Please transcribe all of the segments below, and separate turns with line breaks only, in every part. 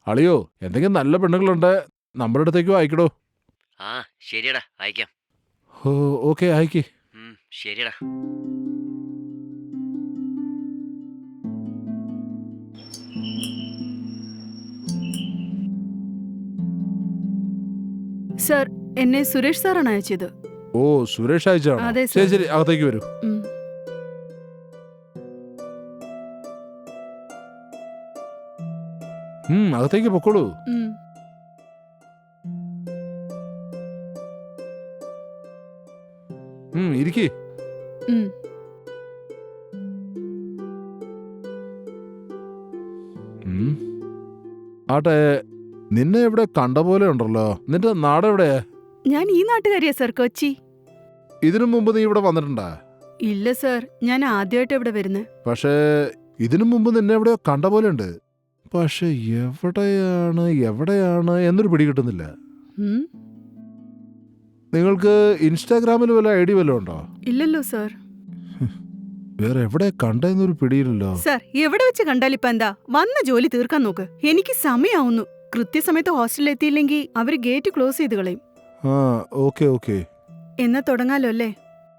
അളിയോ എന്തെങ്കിലും നല്ല പെണ്ണുങ്ങളുണ്ട് നമ്മുടെ അടുത്തേക്കും അയക്കടോ.
ആ ശരിയടാ അയക്കാം.
ഓ ഓക്കെ അയക്കി.
ശരിയടാ.
സർ, എന്നെ സുരേഷ് സാറാണ് അയച്ചത്.
ഓ സുരേഷ് അയച്ചാണോ?
അതെ
ശരി
സർ.
ശരി അകത്തേക്ക് വരൂ.
ഉം.
അകത്തേക്ക് പൊക്കോളൂ.
ഉം.
ഇരിക്കേ.
ഉം.
ആട്ടെ, നിന്നെ എവിടെ കണ്ട പോലെ ഉണ്ടല്ലോ. നിന്റെ നാടെവിടെയാ?
ഞാൻ ഈ നാട്ടുകാരിയാ സർ, കൊച്ചി.
ഇതിനു മുമ്പ് നീ ഇവിടെ വന്നിട്ടുണ്ടാ?
ഇല്ല സർ, ഞാൻ ആദ്യമായിട്ട് ഇവിടെ വരുന്നത്.
പക്ഷേ ഇതിനു മുമ്പ് നിന്നെ എവിടെയോ കണ്ട പോലെ ഉണ്ട്. പക്ഷെ എവിടെയാണ് എവിടെയാണ് എന്നൊരു പിടി കിട്ടുന്നില്ല. നിങ്ങൾക്ക് ഇൻസ്റ്റാഗ്രാമിൽ വല്ല ഐഡി വല്ലതും ഉണ്ടോ?
ഇല്ലല്ലോ സർ.
വേറെ എവിടെ കണ്ടെന്നൊരു പിടിയില്ലല്ലോ.
സർ, എവിടെ വെച്ച് കണ്ടാലിപ്പ എന്താ? വന്ന ജോലി തീർക്കാൻ നോക്ക്. എനിക്ക് സമയാവുന്നു. കൃത്യസമയത്ത് ഹോസ്റ്റലിൽ എത്തിയില്ലെങ്കിൽ അവര് ഗേറ്റ് ക്ലോസ് ചെയ്ത് കളയും.
ആ ഓക്കെ ഓക്കെ.
എന്നാ തുടങ്ങാലോ അല്ലേ?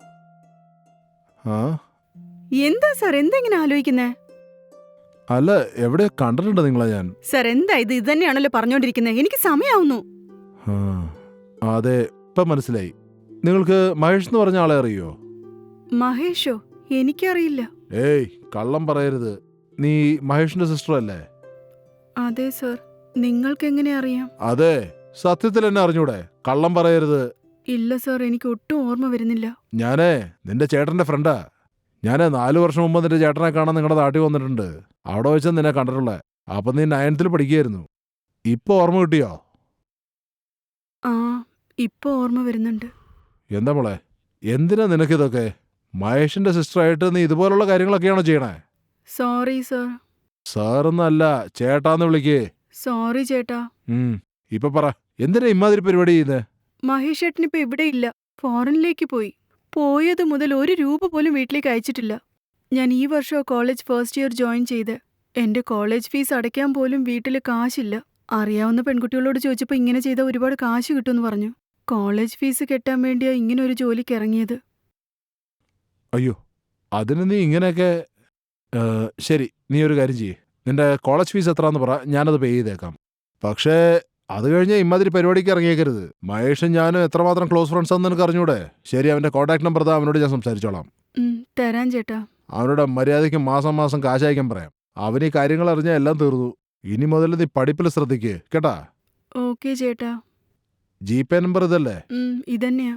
ആ
എന്താ സർ, എന്തെങ്ങനെ ആലോചിക്കുന്നേ?
അല്ല, എവിടെ കണ്ടിട്ടുണ്ട് നിങ്ങളെ ഞാൻ.
സർ, എന്താ ഇത് തന്നെയാണല്ലോ പറഞ്ഞോണ്ടിരിക്കുന്നത്. എനിക്ക് സമയാവുന്നു.
അതെ, ഇപ്പൊ മനസ്സിലായി. നിങ്ങൾക്ക് മഹേഷ് എന്ന് പറഞ്ഞ ആളെ അറിയോ?
മഹേഷോ? എനിക്കറിയില്ല.
ഏയ് കള്ളം പറയരുത്. നീ മഹേഷിന്റെ സിസ്റ്റർ അല്ലേ?
അതെ സർ. നിങ്ങൾക്ക് എങ്ങനെ അറിയാം?
അതെ, സത്യത്തിൽ എന്നെ അറിഞ്ഞൂടെ? കള്ളം പറയരുത്.
ഇല്ല സർ, എനിക്ക് ഒട്ടും ഓർമ്മ വരുന്നില്ല.
ഞാനേ നിന്റെ ചേട്ടന്റെ ഫ്രണ്ടാ. ഞാനേ 4 വർഷം മുമ്പ് നിന്റെ ചേട്ടനെ കാണാൻ നിങ്ങളുടെ നാട്ടിൽ വന്നിട്ടുണ്ട്. അവിടെ വെച്ചാൽ നിന്നെ കണ്ടിട്ടുള്ളേ. അപ്പൊ നീ 9th പഠിക്കുകയായിരുന്നു. ഇപ്പൊ ഓർമ്മ കിട്ടിയോ?
ആ, ഇപ്പൊ ഓർമ്മ വരുന്നുണ്ട്.
എന്താ മോളെ, എന്തിനാ നിനക്കിതൊക്കെ? മഹേഷിന്റെ സിസ്റ്ററായിട്ട് നീ ഇതുപോലുള്ള കാര്യങ്ങളൊക്കെയാണോ ചെയ്യണേ?
Sorry sir.
സാറൊന്നല്ല, ചേട്ടാന്ന് വിളിക്കേ.
സോറി ചേട്ടാ.
ഇപ്പൊ പറ, എന്തിനാ ഇമാതിരി പരിപാടി ചെയ്യുന്നേ?
മഹേഷ് ചേട്ടനിപ്പോ ഇവിടെ ഇല്ല. ഫോറിനിലേക്ക് പോയി. പോയത് മുതൽ 1 രൂപ പോലും വീട്ടിലേക്ക് അയച്ചിട്ടില്ല. ഞാൻ ഈ വർഷം കോളേജ് ഫസ്റ്റ് ഇയർ ജോയിൻ ചെയ്ത്. എന്റെ കോളേജ് ഫീസ് അടയ്ക്കാൻ പോലും വീട്ടില് കാശില്ല. അറിയാവുന്ന പെൺകുട്ടികളോട് ചോദിച്ചപ്പോ ഇങ്ങനെ ചെയ്താൽ ഒരുപാട് കാശ് കിട്ടുമെന്ന് പറഞ്ഞു. കോളേജ് ഫീസ് കെട്ടാൻ വേണ്ടിയാ ഇങ്ങനെ ഒരു ജോലിക്ക് ഇറങ്ങിയത്.
അയ്യോ, അതിന് നീ ഇങ്ങനെയൊക്കെ. ശരി, നീ ഒരു കാര്യം ചെയ്യേ. നിന്റെ കോളേജ് ഫീസ് എത്രയാന്ന് പറ, ഞാനത് പേ ചെയ്തേക്കാം. പക്ഷേ അത് കഴിഞ്ഞ് ഇമാതിരി പരിപാടിക്ക് ഇറങ്ങിയേക്കരുത്. മഹേഷും ഞാനും എത്രമാത്രം ക്ലോസ് ഫ്രണ്ട്സ് ആണെന്ന് നിനക്ക് അറിഞ്ഞൂടെ? ശരി, അവന്റെ കോൺടാക്ട് നമ്പർ താ, അവനോട് ഞാൻ സംസാരിച്ചോളാം.
തരാൻ ചേട്ടാ.
അവനോട് മര്യാദയ്ക്ക് മാസം മാസം കാശ് അയക്കാൻ പറയാം. അവന് ഈ കാര്യങ്ങൾ അറിഞ്ഞാൽ എല്ലാം തീർന്നു. ഇനി മുതൽ നീ പഠിപ്പിൽ ശ്രദ്ധിക്കേ, കേട്ടാ?
ഓക്കെ ചേട്ടാ.
ജിപേ നമ്പർ ഇതല്ലേ?
ഇതന്നെയാ.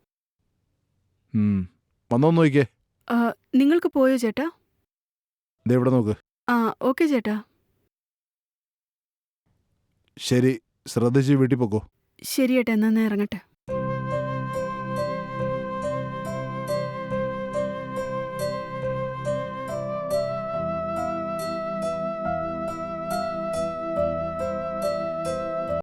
വന്നോന്ന് നോക്കിക്കേ.
നിങ്ങൾക്ക് പോയോ ചേട്ടാ?
ദേ ഇവിടെ നോക്ക്.
ഓക്കെ ചേട്ടാ.
ശരി, ശ്രദ്ധിച്ച് വീട്ടിൽ പോക്കോ.
ശരി ചേട്ടാ, എന്നാ ഇറങ്ങട്ടെ.